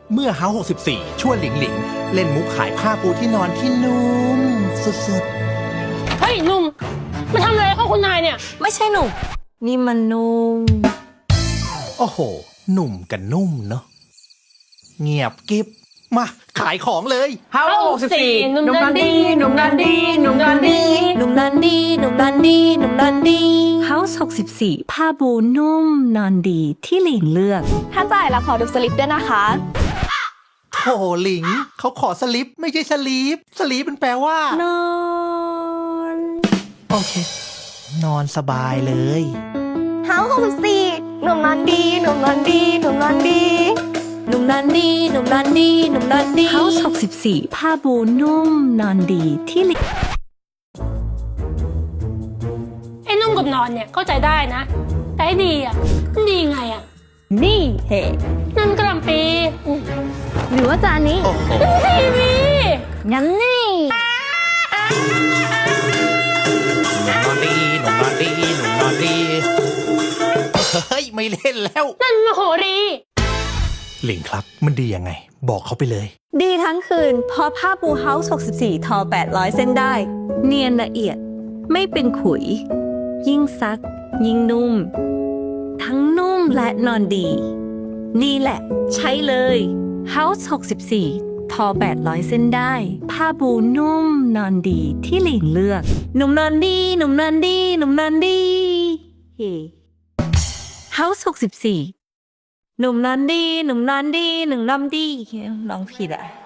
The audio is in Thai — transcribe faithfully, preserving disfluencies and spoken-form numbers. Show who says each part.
Speaker 1: เมื่อเฮาหกสิบสี่ชวนหลิงหลิงเล่นมุกขายผ้าปูที่นอนที่นุ่มสุด
Speaker 2: เฮ้ยหนุ่มมาทำอะไรเข้าคุณนายเนี่ย
Speaker 3: ไม่ใช่หนุ่มนี่มันนุ่ม
Speaker 1: ๆ โอ้โห หนุ่มกับนุ่มเนาะเงียบกิ๊บมาขายของเลย
Speaker 4: เฮาหกสิบสี่หนุ่มนันดีหนุ่มนันดีหนุ่มนันดี
Speaker 3: หนุ่มนันดีหนุ่มนันดีหนุ่มนันดี House หกสิบสี่ผ้าบูนุ่มนอนดีที่หลิงเลือก
Speaker 5: ถ้าจ่ายแล้วขอดูสลิปด้วยนะคะ
Speaker 1: โถหลิงเขาขอสลิปไม่ใช่สลีปสลีปมันแปลว่า
Speaker 3: นอน
Speaker 1: โอเค นอนสบายเลย
Speaker 5: เฮาหกสิบสี่หนุ่มนอนดีหนุ่มนอนดีหนุ่มนอนดี
Speaker 3: หนุ่มนันดีหนุ่มนันดีหนุ่มนันดี House หกสิบสี่ผ้าบูนุ่มนอนดีที่หลิง
Speaker 2: ไอ้นุ่มกับนอนเนี่ยเข้าใจได้นะ แต่ไอ้ดีอ่ะมันดีไงอ่ะ
Speaker 3: นี่เฮ้
Speaker 2: นั่นกระหลำปีอืม
Speaker 5: หรือว่าจานนี้
Speaker 1: โอ้โห
Speaker 2: ทีวี
Speaker 5: งั้นนี่
Speaker 1: หนุ่มนอนดีหนุ่มนอนดีหนุ่มนอนดีเฮ้ยไม่เล่นแล้ว
Speaker 2: นั่นมโหรี
Speaker 1: หลิงครับมันดียังไง บอกเขาไปเลย
Speaker 3: ดีทั้งคืนเพราะผ้าปู House หกสิบสี่ทอแปดร้อยเส้นได้ เนียนละเอียดไม่เป็นขุย ยิ่งซัก ยิ่งนุ่ม ทั้งนุ่มและนอนดี นี่แหละ ใช้เลย House หกสิบสี่ทอแปดร้อยเส้นได้ ผ้าบูนุ่มนอนดีที่หลิงเลือก หนุ่มนอนดีหนุ่มนอนดีหนุ่มนอนดีเฮ้ House หกสิบสี่หนุ่มนอนดีหนุ่มนอนดีหนุ่มนอนดีร้องผิดอ่ะ